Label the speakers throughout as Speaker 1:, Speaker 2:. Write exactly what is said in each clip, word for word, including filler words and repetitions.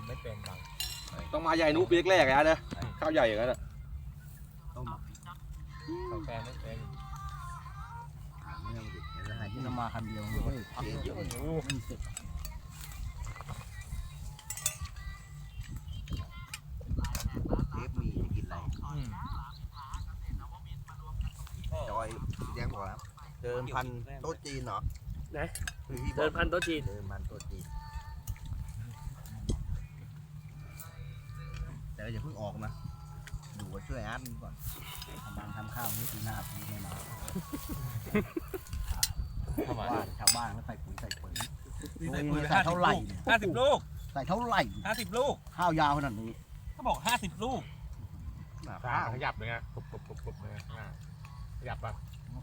Speaker 1: ำไม่เป็นบาง
Speaker 2: ต้องมาใหญ่นุ๊กเปียกแรกนะข้าวใหญ่อย่างนั้นอ่ะ
Speaker 1: ต้มกาแฟไม่เป็น
Speaker 3: ที่เรามาคันเดียวเลยเยอะอยู่ไม่เสร็จเทปมีจะกินอะไรจอยแจ้งบอกแล้วเดินพันโต๊ะจีนเหรอ
Speaker 4: นะเดินพันโต๊ะจีน
Speaker 3: เดินพันโต๊ะจีนแต่อย่าเพิ่งออกนะดูว่าช่วยอาร์ตก่อนทำงานทำข้าวนี่ปีหน้าปีไม่มาชาวบ้านชาวบ้านก็ใส่ปุ๋ยใส่ปุ๋ยใส่ปุ๋ยใส่เท่าไหร่
Speaker 1: ห้าสิบลูก
Speaker 3: ใส่เท่าไหร่
Speaker 1: ห้าสิบลูก
Speaker 3: ข้าวยาวขนาดนี้
Speaker 1: เขาบอกห้าสิบลูก
Speaker 2: ข้าวขยับเลยไงกรุบกรุบกรุบกรุบเลยขยับป่ะ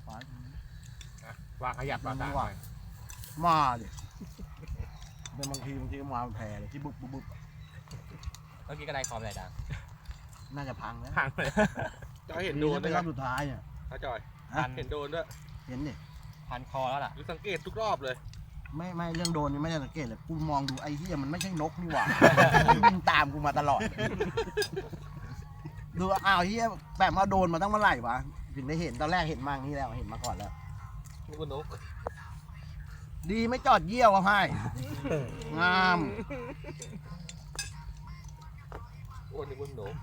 Speaker 2: ว่าขยับป่ะตา
Speaker 3: มาดิเป็นบางทีบางทีมาแผ่เลยที่บุบบุบบุบ
Speaker 1: เมื่อกี้ก็ได้คอมอะไรดัง
Speaker 3: น่าจะพังแล้ว
Speaker 2: พังเลยจอยเห็นโดน
Speaker 3: เป็นรอบสุดท้ายเนี่ย
Speaker 2: ถ้าจอยเห็นโดนด้วย
Speaker 3: เห็นดิ
Speaker 1: พันคอแล้วล่ะ
Speaker 2: หรือสังเกตทุกรอบเลย
Speaker 3: ไม่ไม่เรื่องโดนนี่ไม่ได้สังเกตเลยกูมองดูไอ้ที่มันไม่ใช่นกนี่หว่ามันบินตามกูมาตลอดดูอ้าวเฮียแบบมาโดนมาตั้งเมื่อไหร่วะถึงได้เห็นตอนแรกเห็นมาอย่างนี้แล้วเห็นมาก่อนแล้ว
Speaker 2: นี่ก็นก
Speaker 3: ดีไม่จอดเยี่ยวอะไพ่งาม
Speaker 2: โอ้นี่ก็นก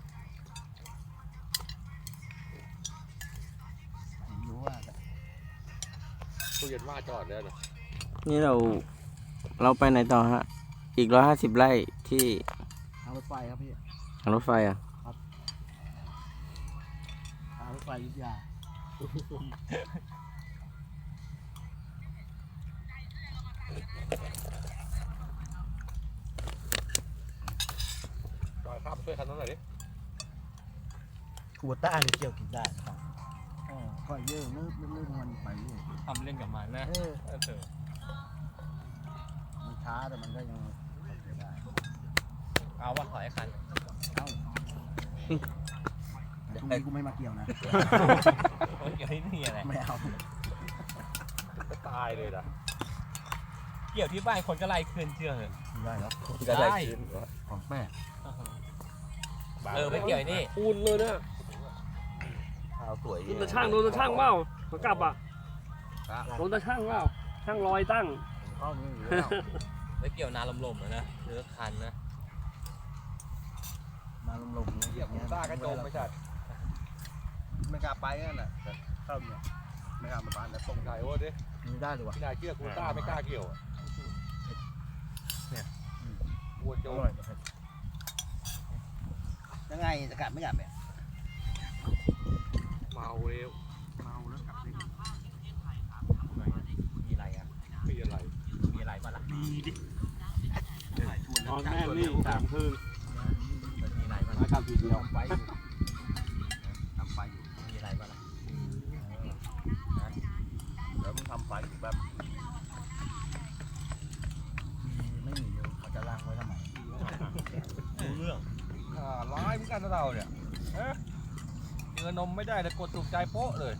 Speaker 3: รู้ว่า
Speaker 2: ตู้เย็นว่าจอดแล้วนะ
Speaker 4: นี่เราเราไปไหนต่อฮะอีกร้อยห้าสิบไร่ที่
Speaker 3: ทางรถไฟครับพี่
Speaker 4: ทางรถไฟอ่ะ
Speaker 3: ครับทางรถไฟยุทธยา
Speaker 2: จอยข้ามช่วยคันนั้นหน่อยดิ
Speaker 3: กูต้านี่เกี่ยวกินได้ครับค่อยเยอะนึกนึกนึกมันไปเรื่อย
Speaker 1: ทำเล่นกับมันนะเออ
Speaker 3: มันช้าแต่มันก็ยังได้
Speaker 1: เอาว่าถอยคัน
Speaker 3: เอาตรงนี้กูไม่มาเกี่ยวนะ
Speaker 1: เกี่ยวที่นี่อะไร
Speaker 3: ไม่เอา
Speaker 2: ก็ตายเลยนะ
Speaker 1: เกี่ยวที่บ้านคนก็ไล่คืนเชื่อเหรอ
Speaker 3: ได้แล้ว
Speaker 2: ได้
Speaker 3: ของแป้ง
Speaker 1: เออไม่เกี่ยวนี่
Speaker 4: ปูนเลยนะ
Speaker 2: ข้าวสวย
Speaker 4: โดนตะช่างโดนตะช่างเปล่าขากลับอ่ะโดนตะช่างเปล่าช่างลอยตั้ง
Speaker 3: เข้านี่อยู่แล้ว
Speaker 1: ไม่เกี่ยวนาลมๆนะเลือกคันนะ
Speaker 3: นาลมๆ
Speaker 2: เกี่ยวตากระโจมไม่ใช่
Speaker 3: ไม่กล้าไปนั่นแหละเข้าเนี่ยไม่กล้ามาบ้านแล้วตรง
Speaker 2: ไหนวะดิ
Speaker 3: ไม่ได้เลยวะ
Speaker 2: พี่นายเชื่อกูต้าไม่กล้าเกี่ยวเนี่ยวัวโจม
Speaker 3: ยังไงจะกลับไม่กลับเนี่ย
Speaker 2: เมาเร็ว
Speaker 3: เมาแล้วกลับได้
Speaker 1: มีอะไรอ่ะ
Speaker 2: มีอะไร
Speaker 1: มีอะไรบ้างล่ะ
Speaker 2: มีดิ
Speaker 4: นอนแม่นี่สามคืน
Speaker 1: มีอะไรบ้าง
Speaker 3: กลับทีเดียวไปทำไปอยู่
Speaker 1: มีอะไรบ้างล่ะ
Speaker 3: แล้วมึงทำไปอยู่แบบไม่มีเยอะเขาจะล้างไว้ทำไม
Speaker 1: รู้เรื่อง
Speaker 2: ร้ายเหมือนกันนะเราเนี่ยเจอนมไม่ได้แต่กดถูกใจโป๊ะเลย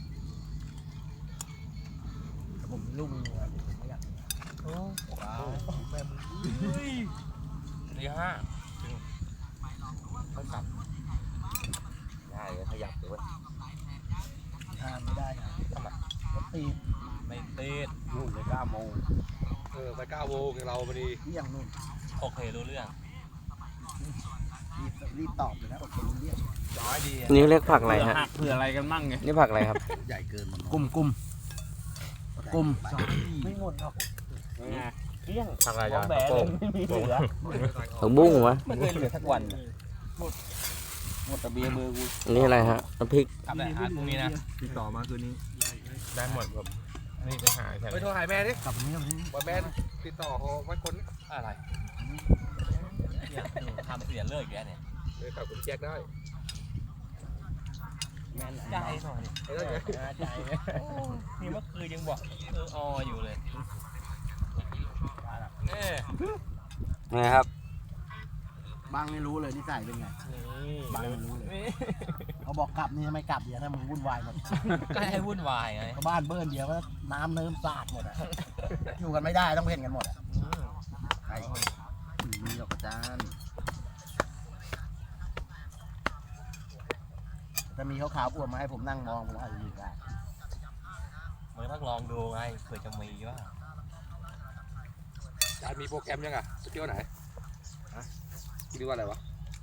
Speaker 3: ผมลูกมือผมไม่อยาก
Speaker 2: โอ้ว้าวแม่มึงตีห้าเขากลับได้เลยขยับเลย
Speaker 3: ทานไม่ได้นะ
Speaker 2: ทำไม
Speaker 3: ตี
Speaker 1: ไม่ตีด
Speaker 3: นู่นไปเก้าโมง
Speaker 2: เออไปเก้าโมงเราพอดี
Speaker 3: เที่ยงนู่น
Speaker 1: โอเครู้เรื่อง
Speaker 3: รีบรีบตอบเลยนะโอเครู้เรื่อง
Speaker 2: ร้อยดี
Speaker 4: นี่เรียกผักอะไรฮะ
Speaker 2: เผื่ออะไรกันมั่งไง
Speaker 4: นี่ผักอะไรครับ
Speaker 3: ใหญ่เกินมันกุ้มกุ้มกุ้มไม่หมดหรอก
Speaker 2: เที่ยงผักอะไร
Speaker 1: จ้ะผักบุ้ง
Speaker 4: ผักบุ้งวะ
Speaker 1: ไม่เคยเหลือสักวัน
Speaker 3: หมดหมดแต่เบียร์มือกู
Speaker 4: นี่อะไรฮะน้ำพริก
Speaker 1: ทำอะไรฮะพรุ่งนี้นะ
Speaker 2: ติดต่อมาคืนนี้ได้หมดครับนี่ไปหาใช่ไหมไปโทรหาแม่ดิ
Speaker 3: กลับนี้กลับนี้
Speaker 2: ว่าแม่ติดต่อเขาไว้คน
Speaker 1: อะไรทำเสียเลิกแกเนี่ย
Speaker 2: เลยขับคุณแจ็คได้
Speaker 1: ใจหน่อยใจนี่เมื่อคืนยังบอกเออออยู่เลย
Speaker 4: นี่ครับ
Speaker 3: บางไม่รู้เลยนิสัยเป็นไงบางไม่รู้เลยเขาบอกกลับนี่ทำไมกลับเดี๋ยวถ้ามึงวุ่นวายหมด
Speaker 1: ก็ให้วุ่นวายไง
Speaker 3: บ้านเบิ้ลเดียวก็น้ำเนิ้มสาดหมดอ่ะอยู่กันไม่ได้ต้องเพ่นกันหมดอ่ะใครมีหรอกจ้าจะมีขาวๆอ้วนมาให้ผมนั่งมองผมอาจจะอยู่ได้
Speaker 1: มึงต้องลองดูไงเผื่อจะมีว่า
Speaker 2: จานมีโปรแกรมยังอ่ะจะเที่ยวไหนฮะคิดว่าอะไรวะ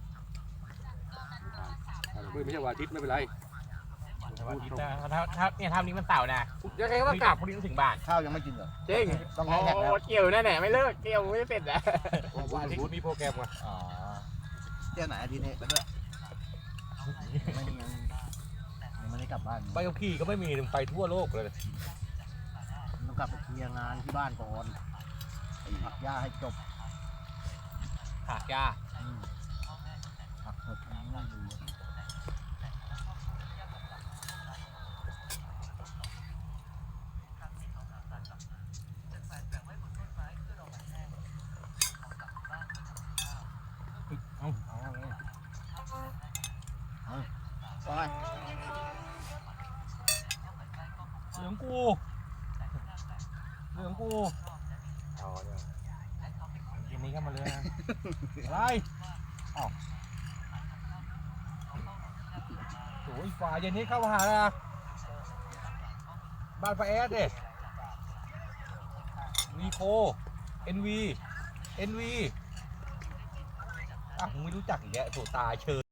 Speaker 2: ไม่ใช่วันอาทิตย์ไม่เป็นไร
Speaker 1: วันอาทิตย์นะถ้าถ้าเนี่ยทำนี้มันเสาร์นะ
Speaker 2: ยังไงก็ต้องกลับ
Speaker 1: พรุ่งนี้ถึงบ้าน
Speaker 3: ข้าวยังไม่กินเหรอ
Speaker 2: จริง
Speaker 3: ต้องให้แท็กแล้ว
Speaker 1: เกี่ยวนั่นแหละไม่เลิกเกี่ยวไม่เสร็จนะ
Speaker 2: วันอาทิตย์มีโปรแกรมอ่ะ
Speaker 1: อ๋อ
Speaker 3: เที่ยวไหนอาทิตย์นี้ไปด้วยไม่ยังยังไม่ได้กลับบ้าน
Speaker 2: ใบขับขี่ก็ไม่มีไปทั่วโลกเลย
Speaker 3: ต้องกลับไปเคลียร์งานที่บ้านก่อนผักหญ้าให้จบ
Speaker 1: ผักยา
Speaker 3: อืมผักเถอะไม่ดู
Speaker 1: เอาเอาเลย
Speaker 3: ไป
Speaker 1: เหลืองกูเหลืองกูกินนี้ก็มาเลยนะอะไรอ้าวโอ้ยฝ่ายเย็นนี้เข้ามาหานะบ้านป้าแอดเด็วีโคเอ็นวีเอ็นวีอ่ะมึงไม่รู้จักอีกแล้วโถตายเชิญ